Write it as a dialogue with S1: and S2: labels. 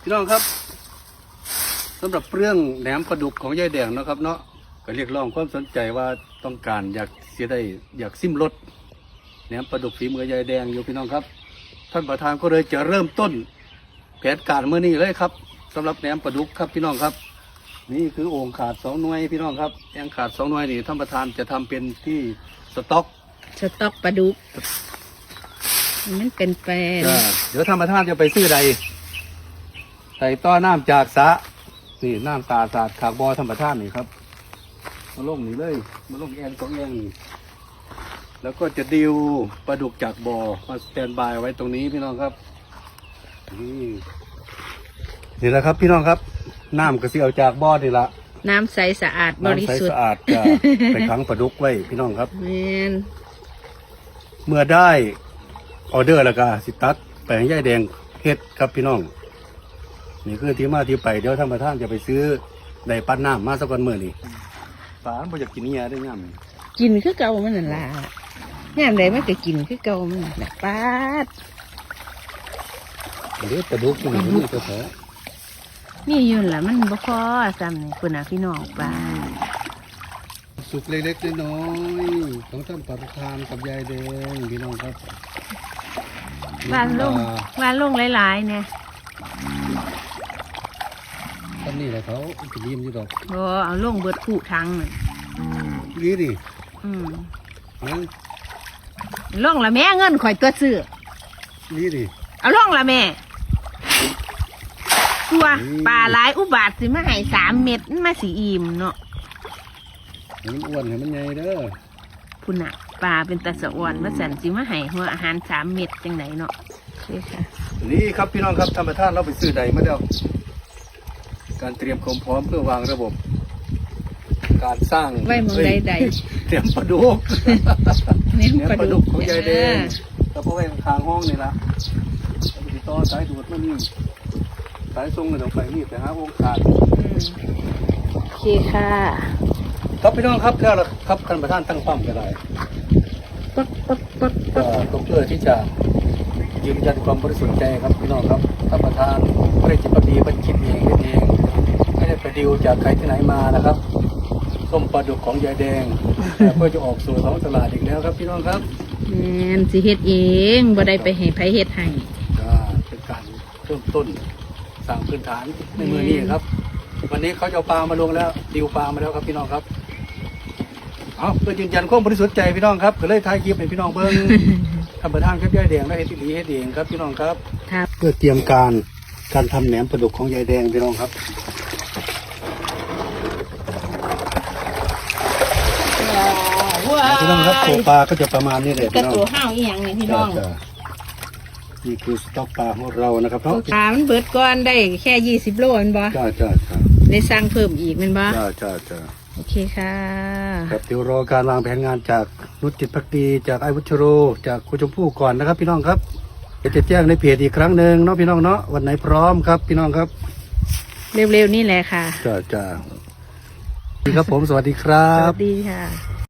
S1: พี่น้องครับสำหรับเรื่องแหนมปลาดุกของยายแดงนะครับเนาะก็เรียกร้องความสนใจว่าต้องการอยากซิมรสแหนมปลาดุกฝีมือยายแดงอยู่พี่น้องครับท่านประธานก็เลยจะเริ่มต้นแผนการเมื่อนี้เลยครับสำหรับแหนมปลาดุกครับพี่น้องครับนี่คือโอ่งขาด2 หน่วยพี่น้องครับแองขาด2 หน่วยนี่ท่านประธานจะทำเป็นที่สต็อก
S2: ปลาดุกมันเป็นแฟน
S1: เดี๋ยวท่านประธานจะไปซื้อใดใส่ต้อน้ำจากสระนี่น้ำตาสาดขากบอธรรมชาตินี่ครับมาลงนี่เลยมาลงแอง2 แองนี่แล้วก็จะดิวปลาดุกจากบอมาสแตนบายไว้ตรงนี้พี่น้องครับนี่แหละครับพี่น้องครับน้ำก็สิเอาจากบอนี่ละ
S2: น้ำใสสะอาดบริ
S1: น้ำใส
S2: สุท
S1: สะ
S2: ธิ์
S1: อาดจะไปขังปลาดุกไว้พี่น้องครับ
S2: แมน
S1: เมื่อได้ออเดอร์แล้วก็สิตัดไปให้ยายแดงเฮ็ดครับพี่น้องนี่คือที่มาที่ไปเดี๋ยวท่านประธานจะไปซื้อได้ปั้นน้ำมาสักวันเมื่อนี่ฝานบ่อยากกินเนี่ยได้ง่าม
S2: กินคือเก่ามันนั่นล่ะงามใดมันก็กินคือเก่ามันนั่นล่ะปาด
S1: เดี๋ยวกระดูกมันนี่ก็แผล
S2: นี่อยืนล่ะมันบ่พอซ้ำนี่คุณน่ะพี่น้องปาด
S1: สุกเล็กๆน้อยๆของท่านประธานกับยายแดงพี่น้องครับ
S2: วานลงหลายๆเนี่ย
S1: ท่านนี่แหละเขาจะยิ้มอยู่ดอก
S2: บ่เอาลงเบิดคู่ทั้งน่ะ
S1: นี่ดิ
S2: อืม
S1: นะ
S2: ลงละแม่เงินข่อยตัวซื้อ
S1: นี่ดิ
S2: เอาลงละแม่ตัวปลาหลายอุบาทสิมาให้3 เม็ดมันมาสิอิ่มเนาะ
S1: ให้มันอ้วนให้มันใหญ่เด้อ
S2: พุ่นน่ะปลาเป็นตะสะอ่อนมาสั่นสิมาให้หัวอาหาร3 เม็ดจังไดเนาะนี่ค่ะ
S1: นี่ครับพี่น้องครับท่านประธานเราไปซื้อใดมาแล้วการเตรียมความพร้อมเพื่อวางระบบ การสร้าง
S2: ไว้มองใด
S1: เตรียมปลาดุก
S2: ๆเน้น
S1: เนี่ย
S2: ปลา
S1: ปลาดุ
S2: ดุ
S1: ก
S2: ก
S1: ของยายแดงแล้วพอไว้ข้างห้องนี่ละแล้วไปติดต่อสายดูดมานี่สายทรงเลยต้องไปนี่ไปหาวงขาด
S2: โอเคค่ะ
S1: ครับพี่น้องครับแล้วล่ะครับท่านประธานตั้งป้อมก็ได้
S2: ปัก
S1: ก็เพื่อที่จะยืนยันความบริสุทธิ์ใจครับพี่น้องครับท่านประธานไม่ได้จิตปดีเป็นคิดเองเองไม่ได้ไปดิวจากใครที่ไหนมานะครับส้มปลาดุกของยายแดงเพื่อจะออกสู่ท้องตลาดอีกแล้วครับพี่น้องครับ
S2: แมนสิเฮ็ดเองบ่ได้ไปให้ไผเฮ็ดให้
S1: เป็นการเริ่มต้นสร้างพื้นฐานในมือนี้ครับ วันนี้เขาจะเอาปลามาลงแล้วดิวปลามาแล้วครับพี่น้องครับเอาเพื่อยืนยันความบริสุทธิ์ใจพี่น้องครับก็เลยถ่ายคลิปให้พี่น้องเบิ้ง ท่านประธานครับยายแดงและเฮ็ดดีเฮ็ดเองครับพี่น้องครับ
S2: ครับ
S1: เพื่อเตรียมการทำแหนมปลาดุกของยายแดงพี่น้องครับพี่น้องครับตัวปลาก็จะประมาณนี้เลย
S2: กระ
S1: พี่น้อง
S2: ตัวห้าวอีหยังนี่พี่น้อง
S1: จ้ะนี่คือสต็อกปลาของเรานะครับเนาะ
S2: ปลามันเบิดก่อนได้แค่20 โลแม่นบ่
S1: จ้าจ้าจ้า
S2: ได้สั่งเพิ่มอีกแม่นบ่
S1: จ้าจ้าจ้า
S2: โอเคค่ะ
S1: ครับเดี๋ยวรอการวางแผนงานจากนุชจิตภักดีจากไอ้วุชโรจากคุณชมพู่ก่อนนะครับ พี่น้องครับเดี๋ยวจะแจ้งในเพจอีกครั้งหนึ่งเนาะพี่น้องเนาะวันไหนพร้อมครับพี่น้องครับ
S2: เร็วๆนี่แหละค่ะ
S1: จ้าจ้าครับผมสวัสดีครั
S2: ส
S1: บ
S2: วัสดีค่ะ